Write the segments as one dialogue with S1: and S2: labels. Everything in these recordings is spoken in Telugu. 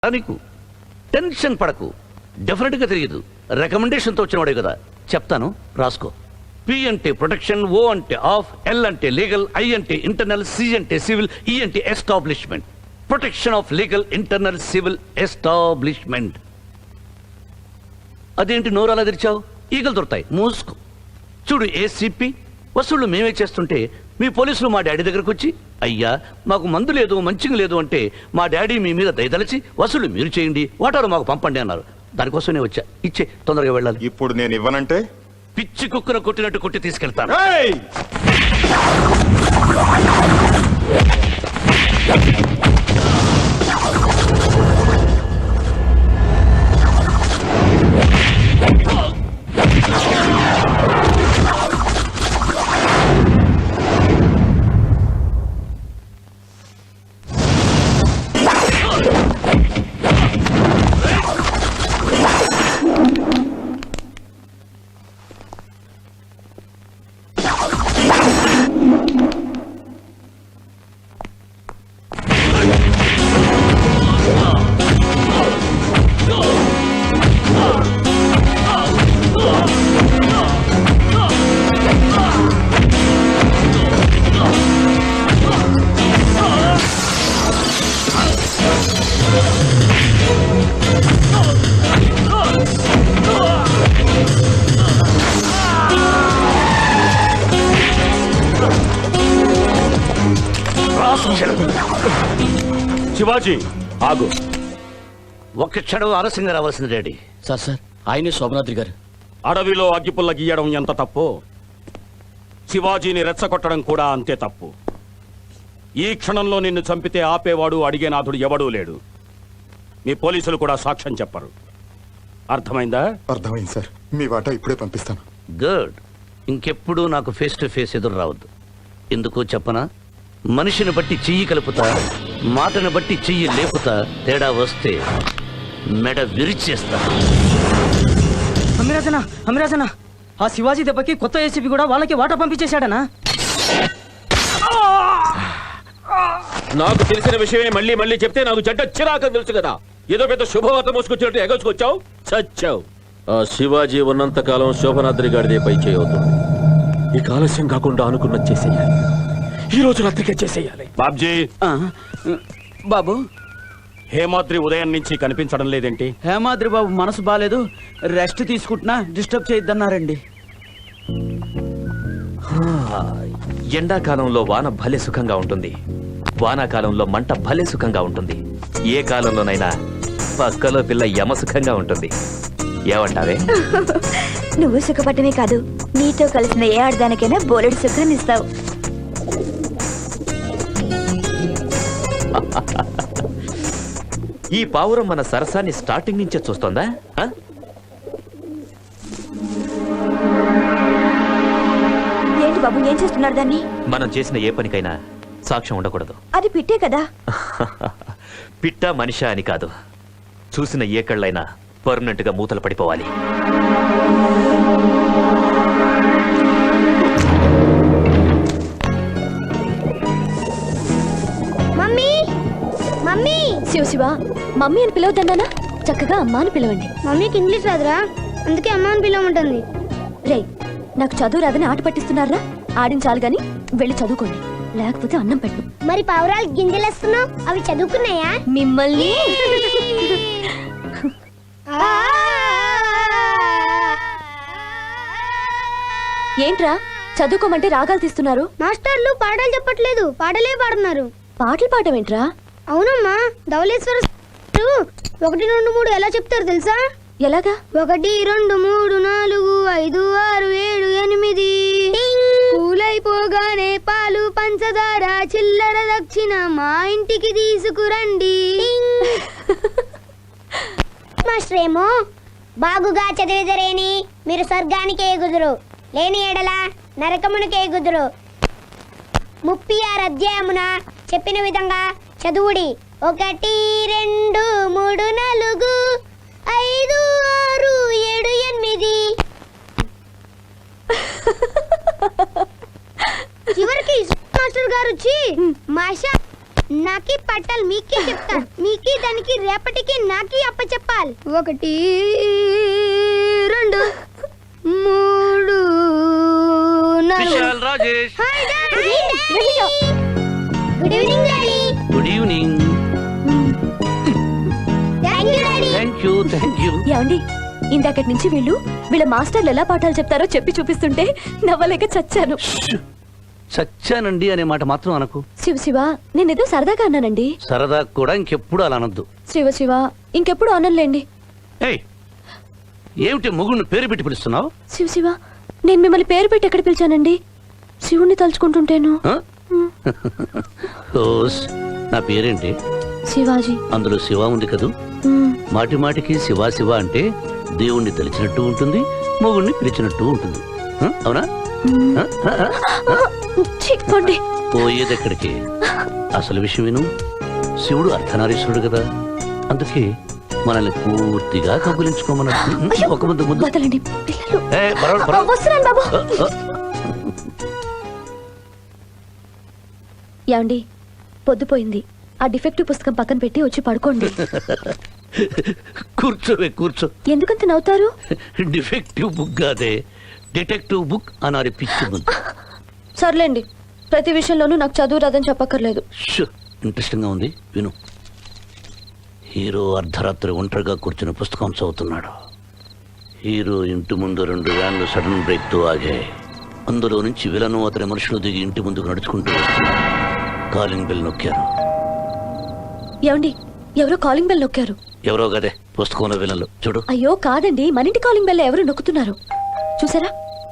S1: నీకు టెన్షన్ పడకు, డెఫినెట్గా తెలియదు. రికమెండేషన్తో వచ్చినవాడే కదా, చెప్తాను రాసుకో. పి అంటే ప్రొటెక్షన్, ఓ అంటే ఆఫ్, ఎల్ అంటే లీగల్, ఐ అంటే ఇంటర్నల్, సి అంటే సివిల్, ఈ అంటే establishment. Protection of legal, internal, civil, establishment. అదేంటి నోరు అలా తెరిచావు? ఈగలు దొరుకుతాయి, మూసుకో. చూడు ఏసీపీ, వసూళ్ళు మేమే చేస్తుంటే మీ పోలీసులు మా డాడీ దగ్గరకు వచ్చి, అయ్యా మాకు మందు లేదు, మంచిగా లేదు అంటే మా డాడీ మీ మీద దయదలిచి వసూలు మీరు చేయండి, వాటారు మాకు పంపండి అన్నారు. దానికోసమే వచ్చా. ఇచ్చే, తొందరగా వెళ్ళాలి.
S2: ఇప్పుడు నేను ఇవ్వనంటే
S1: పిచ్చి కుక్కను కొట్టినట్టు కొట్టి తీసుకెళ్తాను.
S3: శివాజీ ఆగు.
S1: ఒక్క క్షణం ఆలస్యంగా రావాల్సింది డాడీ.
S4: సార్ ఆయనే శోభనాద్రి గారు.
S3: అడవిలో అగ్గిపుల్ల గీయడం ఎంత తప్పు, శివాజీని రెచ్చగొట్టడం కూడా అంతే తప్పు. ఈ క్షణంలో నిన్ను చంపితే ఆపేవాడు, అడిగేనాథుడు ఎవడూ లేడు. మీ పోలీసులు కూడా సాక్ష్యం చెప్పరు. అర్థమైందా?
S2: అర్థమైంది సార్. మీ వాటా ఇప్పుడే పంపిస్తాను.
S1: గుడ్. ఇంకెప్పుడు నాకు ఫేస్ టు ఫేస్ ఎదురు రావద్దు. ఎందుకో చెప్పనా? మనిషిని బట్టి చెయ్యి కలుపుతా, మాటను బట్టి చెయ్యి లేపుతా. తేడా వస్తే మెడ విరిచేస్తా.
S5: అమిరాజనా, ఆ శివాజీ దెబ్బకి కొత్త ఏసీపీ కూడా వాళ్ళకి వాటా పంపించేశాడనా?
S4: నాకు తెలిసిన విషయమే మళ్ళీ మళ్ళీ చెప్తే నాకు చెడ్డ చిరాకని తెలుసు కదా. ఏదో పెద్ద శుభవార్త మోసుకొచ్చినట్టు ఎగచుకొచ్చావు, చచ్చావు. ఆ శివాజీ ఉన్నంత కాలం శోభనాద్రి గారిదే పై చేయవుతుంది. ఈ ఆలస్యం కాకుండా అనుకున్నది చేసేయాలి. ఈ రోజు రాత్రికే చేసేయాలి.
S3: బాబ్జీ,
S5: బాబు,
S3: హేమాద్రి ఉదయం నుంచి కనిపించడం లేదేంటి?
S5: హేమాద్రి బాబు మనసు బాలేదు, రెస్ట్ తీసుకుంటున్నా, డిస్టర్బ్ చేయొద్దన్నారండి.
S6: ఎండాకాలంలో వాన భలే సుఖంగా ఉంటుంది, వానాకాలంలో మంట భలే సుఖంగా ఉంటుంది. ఏ కాలంలోనైనా పక్కలో పిల్ల యమ సుఖంగా ఉంటుంది. ఏమంటావే?
S7: నువ్వు సుఖపడమే కాదు, నీతో కలిసిన ఏ ఆడదానికైనా బోలెడు సుఖాన్ని ఇస్తావు.
S6: ఈ పావురం మన సరసాన్ని స్టార్టింగ్ నుంచే చూస్తోందా?
S7: ఏంటి బాబు, ఏం చేస్తున్నారు దాన్ని?
S6: మనం చేసిన ఏ పనికైనా సాక్ష్యం ఉండకూడదు.
S7: అది పిట్టే కదా.
S6: పిట్ట మనిషా అని కాదు, చూసిన ఏ కళ్ళైనా పర్మనెంట్ గా మూతలు పడిపోవాలి.
S7: శివ, మమ్మీ అని పిలవద్దన్నానా? చక్కగా అమ్మ అని పిలవండి.
S8: మమ్మీకి ఇంగ్లీష్ రాదురా, అందుకే అమ్మ అని పిలవమంటుంది.
S7: రే, నాకు చదువు రాదని ఆట పట్టిస్తున్నారా? ఆడించాలి గాని వెళ్ళి చదువుకోండి, లేకపోతే అన్నం పెట్టు.
S8: మరి పావురాలు గింజలేస్తున్నావు, అవి చదువుకున్నాయా?
S7: మిమ్మల్ని ఏంట్రా చదువుకోమంటే రాగాలు తీస్తున్నారు?
S8: మాస్టర్లు పాటలు చెప్పట్లేదు, పాటలే పాడుతున్నారు.
S7: పాటలు పాడమేంట్రా?
S8: అవునమ్మా, ధవళేశ్వర 1 2 3 ఎలా చెప్తారు తెలుసా?
S7: ఎలాగా?
S8: 1 2 3 4 5 6 7 8 పూలైపోగానే పాలు పంచదార చిల్లర దక్షిణ మా ఇంటికి తీసుకురండి. మాస్టరేమో బాగుగా చదివిదరేని మీరు స్వర్గానికి ఎగుదురు, లేని ఎడల నరకమునికి ఎగుదురు. 36 అధ్యాయమున చెప్పిన విధంగా చదువుడి. 1 2 3 4 5 6 7 8. చివరికి మాస్టర్ గారు వచ్చి మాషా నాకి పట్టాలి మీకే చెప్తా మీకి దానికి రేపటికి నాకి అప్ప చెప్పాలి 1 2 3 4
S1: Vishal Rajesh
S8: hi daddy good evening daddy
S1: good evening.
S8: Thank you daddy
S1: thank you.
S7: ఏమండి ఇందాకటి నుంచి వీళ్ళ మాస్టర్లు ఎలా పాఠాలు చెప్తారో చెప్పి చూపిస్తుంటే నవ్వలేక చచ్చాను.
S1: చచ్చానండి అనే మాట మాత్రం అనకు.
S7: శివ నేనేదో సరదాగా అన్నానండి.
S1: సరదా కూడా ఇంకెప్పుడు అలా అనొద్దు.
S7: శివ ఇంకెప్పుడు అనలేండి.
S1: ఏయ్, ఏమిటి మొగుడిని పేరు పెట్టి పిలుస్తున్నావు?
S7: శివ నేను మిమ్మల్ని పేరు పెట్టి ఎక్కడ పిలిచానండి? శివుణ్ణి తలుచుకుంటుంటేను.
S1: ఆ? ఓస్, నా పేరేంటి?
S7: శివాజీ.
S1: అందులో శివ ఉంది కదూ.
S7: మ్మ్.
S1: మాటి మాటికి శివ శివ అంటే దేవుణ్ణి తెలిచినట్టు ఉంటుంది, మొగుడిని పిలిచినట్టు ఉంటుంది. ఆ? అవునా? ఆ? ఆ? ఆ?
S7: ఛీ, పోండి.
S1: పోయేదెక్కడికి? అసలు విషయం విను. శివుడు అర్ధనారీశ్వరుడు కదా, అందుకే మనల్ని పూర్తిగా కబులించుకోమన్నట్టు.
S7: అయ్యో,
S1: ఒక ముద్దు ముద్దు.
S7: వదలండి పిల్లలు.
S1: ఏ, పర్వాలేదు, పర్వాలేదు.
S7: వస్తున్నాను బాబు.
S1: ఆ, ఆ.
S7: ఏమండి పొద్దుపోయింది. ఆ డిఫెక్టివ్ పుస్తకం పక్కన పెట్టి వచ్చి పడుకోండి.
S1: కూర్చోవే, కూర్చో.
S7: ఎందుకంత నవ్వుతారు?
S1: డిఫెక్టివ్ బుక్ కాదే, డిటెక్టివ్ బుక్ అనాలి పిచ్చి ముందు.
S7: సర్లేండి, ప్రతి విషయంలోనూ నాకు చదువు రాదని చెప్పక్కర్లేదు.
S1: ఇంట్రెస్టింగ్ గా ఉంది, విను. హీరో అర్ధరాత్రి ఒంటరిగా కూర్చుని పుస్తకం చదువుతున్నాడు. హీరో ఇంటి ముందు 2 వ్యాన్లు సడన్ బ్రేక్ తో ఆగాయి. అందులో నుంచి విలను అతని మనుషులు దిగి ఇంటి ముందుకు నడుచుకుంటూ వస్తున్నారు. కాలింగ్ బెల్ నొక్కారు.
S7: ఏమండి ఎవరో కాలింగ్ బెల్ నొక్కారు.
S1: ఎవరో గదే పుస్తకంలో విలన్లు. చూడు.
S7: అయ్యో కాదండి, మన ఇంటి కాలింగ్ బెల్ ఎవరు నొక్కుతున్నారు చూసారా?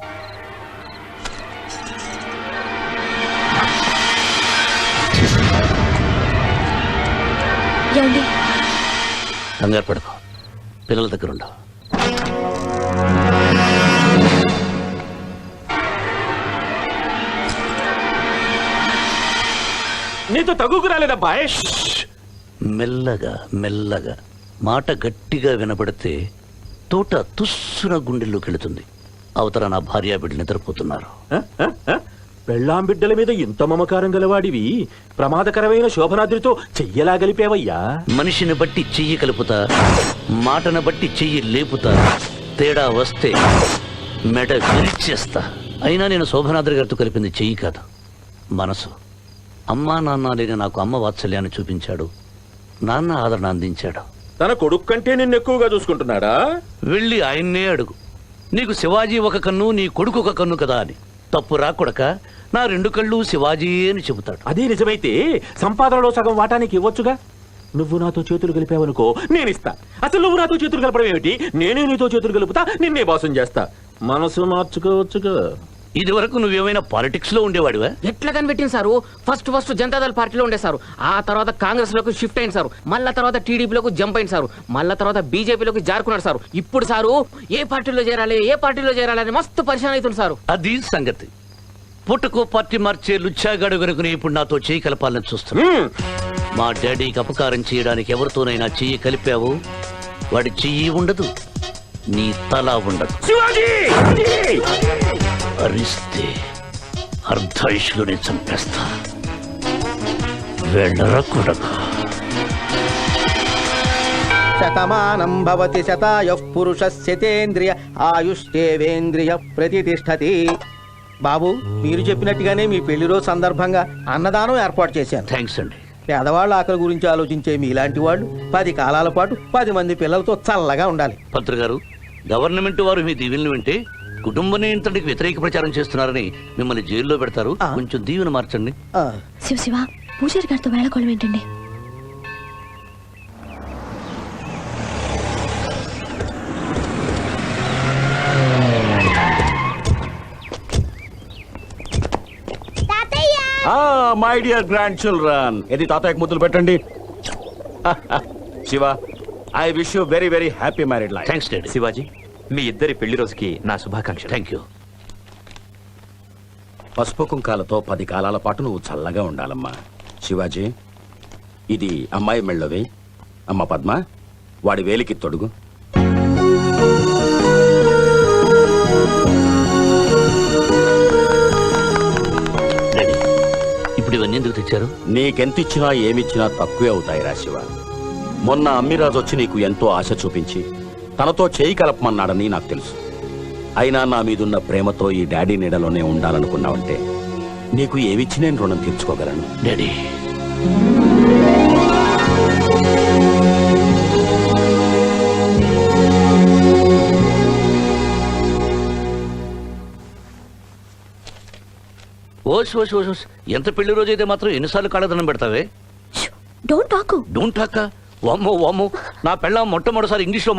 S7: ఏమండి
S1: కంగారు పడకు, పిల్లల దగ్గర ఉండవు.
S3: నీతో తగుకు రాలేదబ్బాయ్.
S1: మెల్లగా మెల్లగా మాట గట్టిగా వినబడితే తోట తుస్సున గుండెల్లోకి వెళుతుంది. అవతల నా భార్య బిడ్డలు నిద్రపోతున్నారు.
S4: పెళ్ళాం బిడ్డల మీద ఇంత మమకారం గలవాడివి ప్రమాదకరమైన శోభనాద్రితో చెయ్యలా గలిపేవయ్యా.
S1: మనిషిని బట్టి చెయ్యి కలుపుతా, మాటను బట్టి చెయ్యి లేపుతా. తేడా వస్తే మెడ విరిచేస్తా. అయినా నేను శోభనాద్రి గారితో కలిపింది చెయ్యి కాదు, మనసు. అమ్మా నాన్న లేని నాకు అమ్మ వాత్సల్యాన్ని చూపించాడు, నాన్న ఆదరణ అందించాడు.
S4: తన కొడుకు కంటే నిన్ను ఎక్కువగా చూసుకుంటున్నాడా?
S1: వెళ్ళి ఆయన్నే అడుగు, నీకు శివాజీ ఒక కన్ను, నీ కొడుకు ఒక కన్ను కదా అని. తప్పు రాకొడక, నా 2 కళ్ళు శివాజీ అని చెబుతాడు.
S4: అదే నిజమైతే సంపాదనలో సగం వాటానికి ఇవ్వొచ్చుగా. నువ్వు నాతో చేతులు కలిపావనుకో నేనిస్తా. అసలు నువ్వు నాతో చేతులు కలపడం ఏమిటి? నేనే నీతో చేతులు కలుపుతా, నిన్నే బాసం చేస్తా. మనసు మార్చుకోవచ్చుగా.
S1: ఇది వరకు నువ్వేమైనా పాలిటిక్స్ లో ఉండేవాడివా?
S9: ఎట్లా కనిపెట్టింది సారు? ఫస్ట్ జనతాదళ పార్టీలో ఉండే సారు, ఆ తర్వాత కాంగ్రెస్ లోకి షిఫ్ట్ అయింది సారు, మళ్ళా తర్వాత టీడీపీలోకి జంప్ అయింది సారు, మళ్ళా తర్వాత బీజేపీలోకి జారుకున్నాడు సారు. ఇప్పుడు సారు ఏ పార్టీలో చేరాలి అని మస్తు పరిశాన్ అవుతుంది సారు.
S1: అది సంగతి. పుట్టుకో పార్టీ మార్చే లుచ్చాగాడు గనుకుని ఇప్పుడు నాతో చెయ్యి కలపాలని చూస్తున్నా. మా డాడీకి అపకారం చేయడానికి ఎవరితోనైనా చెయ్యి కలిపావు, వాడి చెయ్యి ఉండదు, నీ తల ఉండదు. అరిస్తే అర్ధాయుషులోనే చంపేస్తా. వెళ్ళరా కొడకా.
S10: శతమానం భవతి శతాయుః పురుషస్యతేంద్రియ ఆయుష్ేవేంద్రియ ప్రతిష్టతి. బాబు, మీరు చెప్పినట్టుగానే మీ పెళ్లి రోజు సందర్భంగా అన్నదానం ఏర్పాటు చేశాను.
S1: థ్యాంక్స్ అండి.
S10: పేదవాళ్ళ ఆకలి గురించి ఆలోచించే మీలాంటి వాళ్ళు 10 కాలాల పాటు 10 మంది పిల్లలతో చల్లగా ఉండాలి.
S1: పంత్రి గారు, గవర్నమెంట్ వారు మీ దీవెనలు వింటే కుటుంబ నియంత్రణకి వ్యతిరేక ప్రచారం చేస్తున్నారని మిమ్మల్ని జైల్లో పెడతారు. కొంచెం దీవెన మార్చండి.
S10: ఆ,
S7: శివ పూజారి గారితో వేళకోళం ఏంటండి?
S3: మై డియర్ గ్రాండ్ చిల్డ్రన్, ఇది తాతయ్యకు ముద్దులు పెట్టండి. Shiva, I wish you very very happy married life.
S1: Thanks daddy.
S6: Shivaji, మీ ఇద్దరి పెళ్లి రోజుకి నా శుభాకాంక్షలు.
S1: Thank you.
S3: పసుపు కుంకాలతో 10 కాలాల పాటు నువ్వు చల్లగా ఉండాలమ్మా. శివాజీ, ఇది అమ్మాయి మెళ్ళవి. అమ్మ పద్మ, వాడి వేలికి తొడుగు.
S1: డాడీ, ఇప్పుడు ఇవన్నీ ఎందుకు తెచ్చారు?
S3: నీకెంతిచ్చినా ఏమిచ్చినా తక్కువే అవుతాయిరా శివ. మొన్న అమ్మిరాజు వచ్చి నీకు ఎంతో ఆశ చూపించి తనతో చేయి కలపమన్నాడని నాకు తెలుసు. అయినా నా మీదున్న ప్రేమతో ఈ డాడీ నీడలోనే ఉండాలనుకున్నావంటే నీకు ఏమిచ్చి నేను రుణం తీర్చుకోగలను.
S1: డాడీ, ఓస్ ఓస్ ఓస్ ఓస్. ఎంత పెళ్లి రోజు అయితే మాత్రం ఎన్నిసార్లు కాళ్ళదనం పెడతావే?
S7: Don't talk.
S1: Don't talk. వామ్మో వామ్మో, నా పెళ్ళాం మొట్టమొదటిసారి ఇంగ్లీష్లో